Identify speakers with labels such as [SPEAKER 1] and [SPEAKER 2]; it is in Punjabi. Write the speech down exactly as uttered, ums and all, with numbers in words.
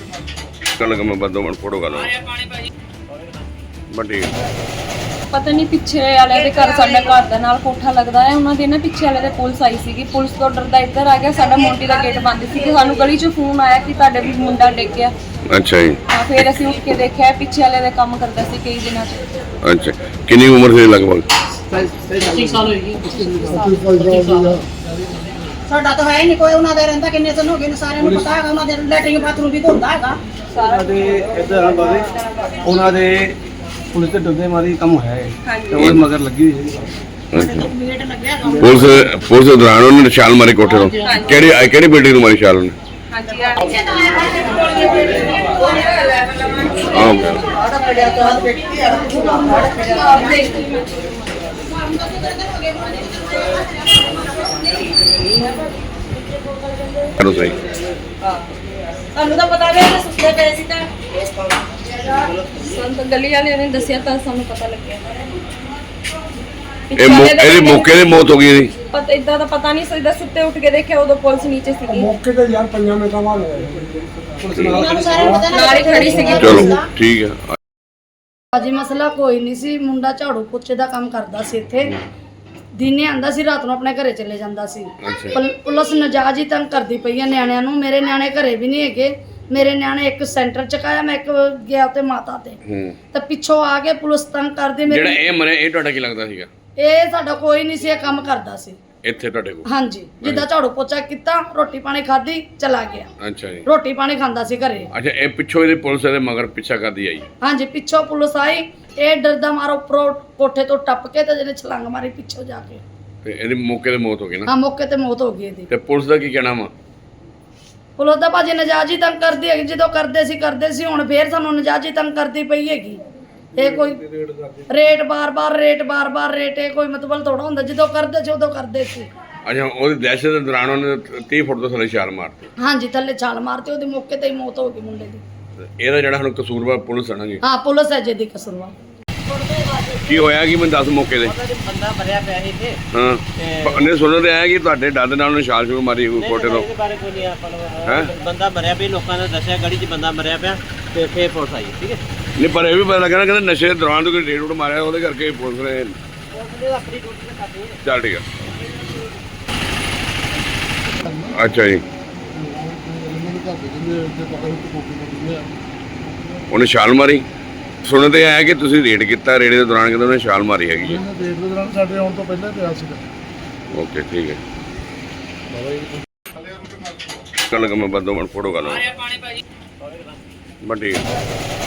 [SPEAKER 1] कल मैं बदो मन फोटो कर बट
[SPEAKER 2] ਪਤਾ ਨਹੀਂ ਪਿੱਛੇ ਵਾਲੇ ਦੇ ਘਰ ਸਾਡੇ ਘਰ ਦੇ ਨਾਲ ਕੋਠਾ ਲੱਗਦਾ ਹੈ ਉਹਨਾਂ ਦੇ ਨਾ ਪਿੱਛੇ ਵਾਲੇ ਦੇ ਪੁਲਿਸ ਆਈ ਸੀਗੀ ਪੁਲਿਸ ਤੋਂ ਡਰਦਾ ਇੱਧਰ ਆ ਗਿਆ ਸਾਡਾ ਮੋਂਟੀ ਦਾ ਗੇਟ ਬੰਦ ਸੀ ਕਿ ਸਾਨੂੰ ਗਲੀ 'ਚ ਫੋਨ ਆਇਆ ਕਿ ਤੁਹਾਡੇ ਵੀ ਮੁੰਡਾ ਡਿੱਗ ਗਿਆ।
[SPEAKER 1] अच्छा जी।
[SPEAKER 2] ਹਾਂ ਫਿਰ ਅਸੀਂ ਉੱਠ ਕੇ ਦੇਖਿਆ ਪਿੱਛੇ ਵਾਲੇ ਦੇ ਕੰਮ ਕਰਦਾ ਸੀ ਕਈ ਦਿਨਾਂ 'ਚ।
[SPEAKER 1] अच्छा कितनी उम्र से लगभग
[SPEAKER 3] पच्चीस साल होगी।
[SPEAKER 4] ਸਾਡਾ ਤਾਂ ਹੈ ਨਹੀਂ ਕੋਈ ਉਹਨਾਂ ਦੇ ਰਹਿੰਦਾ ਕਿੰਨੇ ਦਿਨ ਹੋ ਗਏ ਨੇ ਸਾਰਿਆਂ ਨੂੰ ਪਤਾ ਹੈਗਾ ਉਹਨਾਂ ਦੇ ਲੈਟਰਿੰਗ ਬਾਥਰੂਮ ਵੀ ਹੁੰਦਾ ਹੈਗਾ
[SPEAKER 3] ਉਹਨਾਂ ਦੇ ਇੱਧਰ ਆ ਬਾਰੇ ਉਹਨਾਂ ਦੇ ਪੁਲਿਸ ਦੇ ਡੱਬੇ ਮਾਰੀ ਕੰਮ ਹੋਇਆ ਹੈ ਤੇ ਉਹ ਮਗਰ ਲੱਗੀ ਹੋਈ ਸੀ।
[SPEAKER 4] ਗੇਟ ਲੱਗਿਆ ਹੈਗਾ
[SPEAKER 1] पुलिस पुलिस के दौरान उन्होंने छाल मारी कोठे तो केड़ी केड़ी बिल्डिंग में मारी छाल उन्हें
[SPEAKER 2] ਹਾਂਜੀ
[SPEAKER 1] करो सही
[SPEAKER 2] ਤੁਹਾਨੂੰ ਤਾਂ ਪਤਾ ਵੀ ਇਹ ਸੁੱਤੇ ਪਏ ਸੀ ਤਾਂ ਸਾਨੂੰ ਤਾਂ ਗਲੀ ਵਾਲਿਆਂ ਨੇ ਦੱਸਿਆ ਤਾਂ ਸਾਨੂੰ ਪਤਾ ਲੱਗਿਆ।
[SPEAKER 1] ਇਹ ਇਹਦੇ ਮੌਕੇ ਤੇ ਮੌਤ ਹੋ ਗਈ ਇਹਦੀ
[SPEAKER 2] ਪਤਾ ਇਦਾਂ ਦਾ ਪਤਾ ਨਹੀਂ ਸਿੱਧਾ ਸੁੱਤੇ ਉੱਠ ਕੇ ਦੇਖਿਆ ਉਦੋਂ ਪੁਲਿਸ ਨੀਚੇ ਸੀਗੀ
[SPEAKER 5] ਮੌਕੇ ਤੇ ਯਾਰ ਪੰਜਾਂ ਮਿੰਟਾਂ ਬਾਅਦ ਪੁਲਿਸ
[SPEAKER 4] ਉਹਨਾਂ ਨੂੰ ਸਾਰਿਆਂ ਨੂੰ ਪਤਾ
[SPEAKER 2] ਨਾਲ ਹੀ ਖੜੀ ਸੀਗੀ
[SPEAKER 1] ਚਲੋ ਠੀਕ ਹੈ।
[SPEAKER 6] ਅਜੀ ਮਸਲਾ ਕੋਈ ਨਹੀਂ ਸੀ ਮੁੰਡਾ ਝਾੜੂ ਪੋਚੇ ਦਾ ਕੰਮ ਕਰਦਾ ਸੀ ਇੱਥੇ ਦਿਨੇ ਆਂਦਾ ਸੀ ਰਾਤ ਨੂੰ ਆਪਣੇ ਘਰੇ ਚਲੇ ਜਾਂਦਾ ਸੀ ਪੁਲ- ਪੁਲਿਸ ਨਜਾਇਜ਼ ਹੀ ਤੰਗ ਕਰਦੀ ਪਈ ਆ ਨਿਆਣਿਆਂ ਨੂੰ ਮੇਰੇ ਨਿਆਣੇ ਘਰੇ ਵੀ ਨਹੀਂ ਹੈਗੇ ਮੇਰੇ ਨਿਆਣੇ ਇੱਕ ਸੈਂਟਰ ਚ ਕਾਇਆ ਮੈਂ ਇੱਕ ਗਿਆ ਤੇ ਮਾਤਾ ਤੇ ਤਾਂ ਪਿੱਛੋਂ ਆ ਕੇ ਪੁਲਿਸ ਤੰਗ ਕਰਦੀ
[SPEAKER 1] ਜਿਹੜਾ
[SPEAKER 6] ਮੇਰੇ
[SPEAKER 1] ਇਹ ਮਰਿਆ ਇਹ ਤੁਹਾਡਾ ਕੀ ਲੱਗਦਾ ਸੀਗਾ
[SPEAKER 6] ਇਹ ਸਾਡਾ ਕੋਈ ਨਹੀਂ ਸੀ ਇਹ ਕੰਮ ਕਰਦਾ ਸੀ
[SPEAKER 1] ਇੱਥੇ ਤੁਹਾਡੇ ਕੋਲ
[SPEAKER 6] ਹਾਂਜੀ ਜਿੱਦਾਂ ਝਾੜੂ ਪੋਚਾ ਕੀਤਾ ਰੋਟੀ ਪਾਣੀ ਖਾਧੀ ਚਲਾ ਗਿਆ
[SPEAKER 1] ਅੱਛਾ ਜੀ।
[SPEAKER 6] ਰੋਟੀ ਪਾਣੀ ਖਾਂਦਾ ਸੀ ਘਰੇ
[SPEAKER 1] ਅੱਛਾ ਇਹ ਪਿੱਛੋਂ ਇਹਦੇ ਪੁਲਿਸ ਦੇ ਮਗਰ ਪਿੱਛਾ ਕਰਦੀ ਆਈ
[SPEAKER 6] ਹਾਂਜੀ ਪਿੱਛੋਂ ਪੁਲਿਸ ਆਈ ਇਹ ਡਰਦਾ ਮਾਰੋ ਉੱਪਰੋਂ ਕੋਠੇ ਤੋਂ ਟੱਪ ਕੇ ਤੇ ਜਿਹਨੇ ਛਲੰਗ ਮਾਰੀ ਪਿੱਛੋਂ ਜਾ ਕੇ
[SPEAKER 1] ਤੇ ਇਹਦੀ ਮੌਕੇ ਤੇ ਮੌਤ ਹੋ ਗਈ ਨਾ
[SPEAKER 6] ਹਾਂ ਮੌਕੇ ਤੇ ਮੌਤ ਹੋ ਗਈ ਇਹਦੀ
[SPEAKER 1] ਤੇ ਪੁਲਿਸ ਦਾ ਕੀ ਕਹਿਣਾ ਵਾ
[SPEAKER 6] ਪੁਲਿਸ ਦਾ ਭਾਜੀ ਨਜਾਇਜ਼ ਹੀ ਤੰਗ ਕਰਦੀ ਹੈਗੀ ਜਦੋਂ ਕਰਦੇ ਸੀ ਕਰਦੇ ਸੀ ਹੁਣ ਫੇਰ ਸਾਨੂੰ ਨਜਾਇਜ਼ ਹੀ ਤੰਗ ਕਰਦੀ ਪਈ ਹੈਗੀ ਇਹ ਕੋਈ ਰੇਟ ਬਾਰ-ਬਾਰ ਰੇਟ ਬਾਰ-ਬਾਰ ਰੇਟ ਇਹ ਕੋਈ ਮਤਲਬ ਥੋੜਾ ਹੁੰਦਾ ਜਦੋਂ ਕਰਦੇ ਸੀ ਉਦੋਂ ਕਰਦੇ ਸੀ।
[SPEAKER 1] ਅੱਛਾ ਉਹਦੀ ਦਹਿਸ਼ਤ ਦੇ ਦੌਰਾਨ ਉਹਨੇ ਤੀਹ ਫੁੱਟ ਤੋਂ ਥੱਲੇ ਛਾਲ ਮਾਰਤੀ
[SPEAKER 6] ਹਾਂਜੀ ਥੱਲੇ ਛਾਲ ਮਾਰਤੀ ਉਹਦੀ ਮੌਕੇ ਤੇ ਹੀ ਮੌਤ ਹੋ ਗਈ ਮੁੰਡੇ ਦੀ।
[SPEAKER 1] ਤੇ ਇਹਦਾ ਜਿਹੜਾ ਹੁਣ ਕਸੂਰਵਾਰ ਪੁਲਿਸ ਆਣਾ ਜੀ
[SPEAKER 6] ਹਾਂ ਪੁਲਿਸ ਹੈ ਜਿਹਦੀ ਕਸੂਰਵਾਰ।
[SPEAKER 1] ਕੀ ਹੋਇਆ ਕਿ ਮੈਨੂੰ ਦੱਸ ਮੌਕੇ ਤੇ
[SPEAKER 3] ਬੰਦਾ ਮਰਿਆ ਪਿਆ ਸੀ ਇੱਥੇ
[SPEAKER 1] ਹਾਂ ਉਹਨੇ ਸੁਣਨ ਤੇ ਆਇਆ ਕਿ ਤੁਹਾਡੇ ਡਰ ਦੇ ਨਾਲ ਉਹਨੇ ਛਾਲ ਛੂਲ ਮਾਰੀ ਕੋਈ ਕੋਟੇ ਤੋਂ
[SPEAKER 3] ਇਹਦੇ ਬਾਰੇ ਕੋਈ ਨਹੀਂ ਆਪਾਂ ਨੂੰ
[SPEAKER 1] ਹੈਂ?
[SPEAKER 3] ਬੰਦਾ ਮਰਿਆ ਪਿਆ ਲੋਕਾਂ ਨੇ ਦੱਸਿਆ ਗੜੀ 'ਚ ਬੰਦਾ ਮਰਿਆ ਪਿਆ ਤੇ ਫੇਰ ਪੁਲਿਸ ਆਈ ਠੀਕ ਹੈ।
[SPEAKER 1] ਨਹੀਂ ਪਰ ਇਹ ਵੀ ਪਤਾ ਲੱਗਾ ਨਾ ਕਹਿੰਦੇ ਨਸ਼ੇ ਦੇ ਦੌਰਾਨ ਤੋਂ ਕੋਈ ਰੇਡ ਰੂਡ ਮਾਰਿਆ ਉਹਦੇ ਕਰਕੇ ਪੁਲਿਸ ਨੇ
[SPEAKER 3] ਆਪਣੀ ਡਿਊਟੀ ਤੇ ਕਰਦੀ ਹੈ।
[SPEAKER 1] ਚੱਲ ਠੀਕ ਆ ਅੱਛਾ ਜੀ ਉਹਨੇ ਛਾਲ ਮਾਰੀ ਸੁਣਨ ਤੇ ਆਇਆ ਕਿ ਤੁਸੀਂ ਰੇਡ ਕੀਤਾ ਰੇਡ ਦੇ ਦੌਰਾਨ ਕਹਿੰਦੇ ਉਹਨੇ ਛਾਲ ਮਾਰੀ ਹੈਗੀ ਜੀ
[SPEAKER 5] ਰੇਟ ਦੇ ਦੌਰਾਨ ਸਾਡੇ ਆਉਣ ਤੋਂ ਪਹਿਲਾਂ ਪਿਆ ਸੀਗਾ।
[SPEAKER 1] ਓਕੇ ਠੀਕ ਹੈ ਕੱਲ ਮੈਂ ਬੰਦੋ ਮਨ ਫੋਟੋ ਕਰ ਲਾਂ ਬਟ ਠੀਕ ਹੈ।